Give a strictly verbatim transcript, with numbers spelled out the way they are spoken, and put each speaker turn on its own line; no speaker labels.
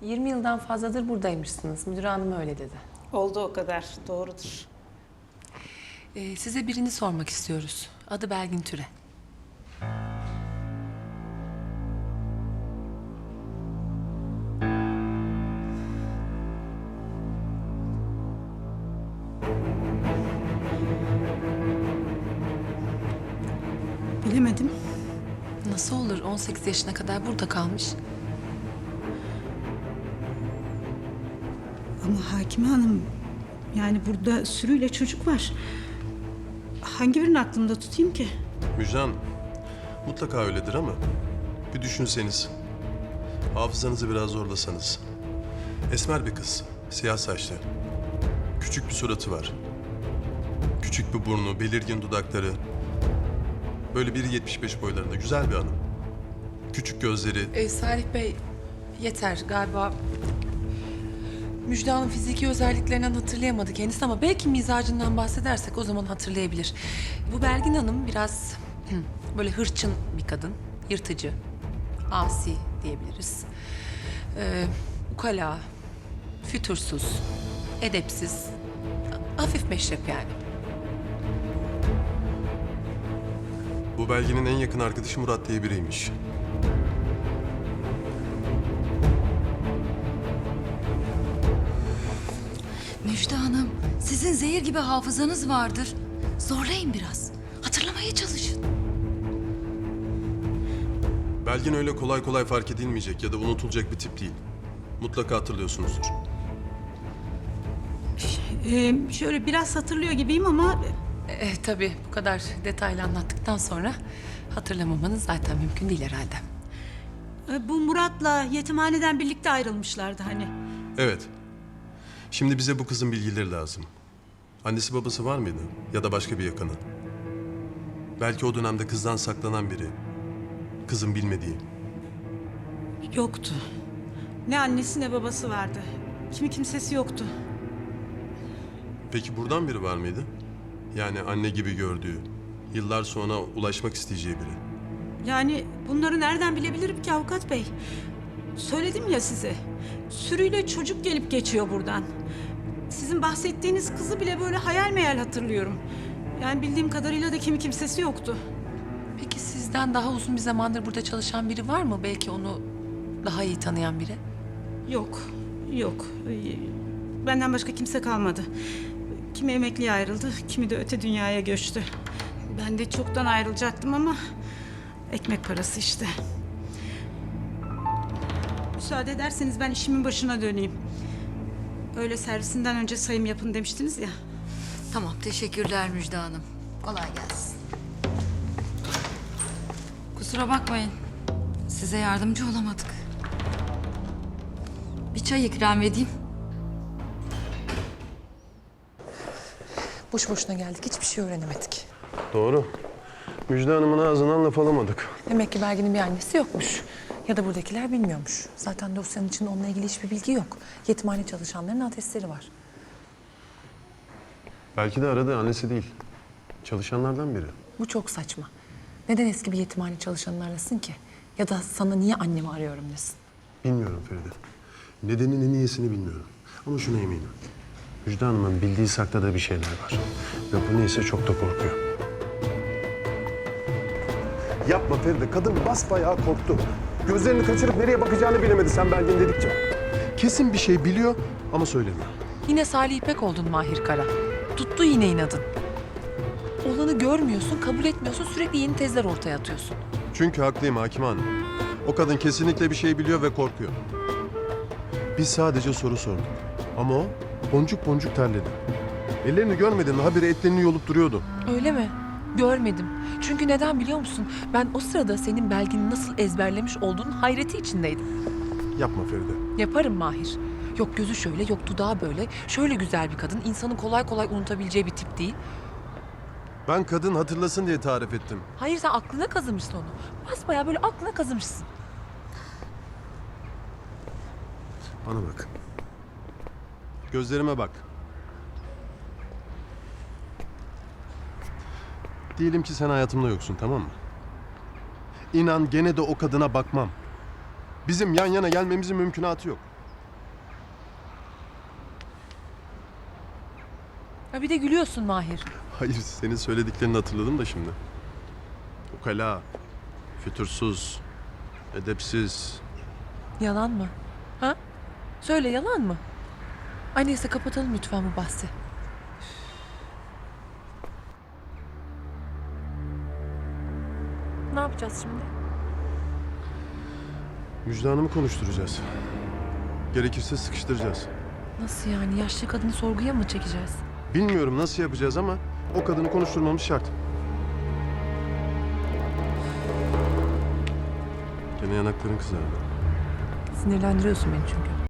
yirmi yıldan fazladır buradaymışsınız. Müdür hanım öyle dedi.
Oldu o kadar. Doğrudur.
Ee, size birini sormak istiyoruz. Adı Belgin Türe.
Bilemedim.
Nasıl olur? on sekiz yaşına kadar burada kalmış.
Ama Hakime Hanım, yani burada sürüyle çocuk var. Hangi birini aklımda tutayım ki?
Müjgan, mutlaka öyledir ama bir düşünseniz, hafızanızı biraz zorlasanız. Esmer bir kız, siyah saçlı. Küçük bir suratı var. Küçük bir burnu, belirgin dudakları. Böyle bir yetmiş beş boylarında, güzel bir hanım. Küçük gözleri.
Ee, Salih Bey, yeter galiba. Müjde Hanım fiziki özelliklerinden hatırlayamadı kendisi ama belki mizacından bahsedersek o zaman hatırlayabilir. Bu Belgin Hanım biraz hı, böyle hırçın bir kadın, yırtıcı, asi diyebiliriz. Ee, ukala, fütursuz, edepsiz, hafif meşrep yani.
Bu Belgin'in en yakın arkadaşı Murat diye biriymiş.
Müjde Hanım, sizin zehir gibi hafızanız vardır. Zorlayın biraz. Hatırlamaya çalışın.
Belgin öyle kolay kolay fark edilmeyecek ya da unutulacak bir tip değil. Mutlaka hatırlıyorsunuzdur.
Ee, şöyle biraz hatırlıyor gibiyim ama...
Ee, tabii bu kadar detaylı anlattıktan sonra hatırlamamanız zaten mümkün değil herhalde.
e, Bu Murat'la yetimhaneden birlikte ayrılmışlardı hani.
Evet. Şimdi bize bu kızın bilgileri lazım. Annesi babası var mıydı? Ya da başka bir yakını? Belki o dönemde kızdan saklanan biri. Kızın bilmediği.
Yoktu. Ne annesi ne babası vardı. Kimi kimsesi yoktu.
Peki buradan biri var mıydı? Yani anne gibi gördüğü, yıllar sonra ulaşmak isteyeceği biri.
Yani bunları nereden bilebilirim ki avukat bey? Söyledim ya size. Sürüyle çocuk gelip geçiyor buradan. Sizin bahsettiğiniz kızı bile böyle hayal meyal hatırlıyorum. Yani bildiğim kadarıyla da kimi kimsesi yoktu.
Peki sizden daha uzun bir zamandır burada çalışan biri var mı? Belki onu daha iyi tanıyan biri.
Yok, yok. Ee, Benden başka kimse kalmadı. Kimi emekliye ayrıldı, kimi de öte dünyaya göçtü. Ben de çoktan ayrılacaktım ama ekmek parası işte. Müsaade ederseniz ben işimin başına döneyim. Öyle servisinden önce sayım yapın demiştiniz ya.
Tamam, teşekkürler Müjde Hanım. Kolay gelsin. Kusura bakmayın. Size yardımcı olamadık. Bir çay ikram edeyim.
Boş boşuna geldik. Hiçbir şey öğrenemedik.
Doğru. Müjde Hanım'ın ağzından laf alamadık.
Demek ki Belgin'in bir annesi yokmuş. Ya da buradakiler bilmiyormuş. Zaten dosyanın içinde onunla ilgili hiçbir bilgi yok. Yetimhane çalışanların adresleri var.
Belki de aradığı annesi değil. Çalışanlardan biri.
Bu çok saçma. Neden eski bir yetimhane çalışanını arasın ki? Ya da sana niye annemi arıyorum desin?
Bilmiyorum Feride. Nedenini, niyesini bilmiyorum. Ama şuna eminim. Müjde Hanım'ın bildiği sakladığı bir şeyler var. Ve bu neyse çok da korkuyor. Yapma Feride. Kadın basbayağı korktu. Gözlerini kaçırıp nereye bakacağını bilemedi sen Belgin dedikçe. Kesin bir şey biliyor ama söylemiyor.
Yine Salih İpek oldun Mahir Kara. Tuttu yine inadın. Olanı görmüyorsun, kabul etmiyorsun, sürekli yeni tezler ortaya atıyorsun.
Çünkü haklıyım Hakime Hanım. O kadın kesinlikle bir şey biliyor ve korkuyor. Biz sadece soru sorduk. Ama o boncuk boncuk terledi. Ellerini görmedin mi? Habire etlerini yolup duruyordu.
Öyle mi? Görmedim. Çünkü neden biliyor musun? Ben o sırada senin Belgin'i nasıl ezberlemiş olduğunun hayreti içindeydim.
Yapma Feride.
Yaparım Mahir. Yok gözü şöyle, yok dudağı böyle. Şöyle güzel bir kadın. İnsanın kolay kolay unutabileceği bir tip değil.
Ben kadın hatırlasın diye tarif ettim.
Hayır sen aklına kazımışsın onu. Basbayağı böyle aklına kazımışsın.
Bana bak. Gözlerime bak. Diyelim ki sen hayatımda yoksun, tamam mı? İnan gene de o kadına bakmam. Bizim yan yana gelmemizin mümkünatı yok.
Ha bir de gülüyorsun Mahir.
Hayır, senin söylediklerini hatırladım da şimdi. Ukala, fütursuz, edepsiz.
Yalan mı? Ha? Söyle, yalan mı? Ay neyse, kapatalım lütfen bu bahsi. Ne yapacağız şimdi?
Müjde Hanım'ı konuşturacağız. Gerekirse sıkıştıracağız.
Nasıl yani? Yaşlı kadını sorguya mı çekeceğiz?
Bilmiyorum nasıl yapacağız ama o kadını konuşturmamız şart. Gene yanakların kızardı.
Sinirlendiriyorsun beni çünkü.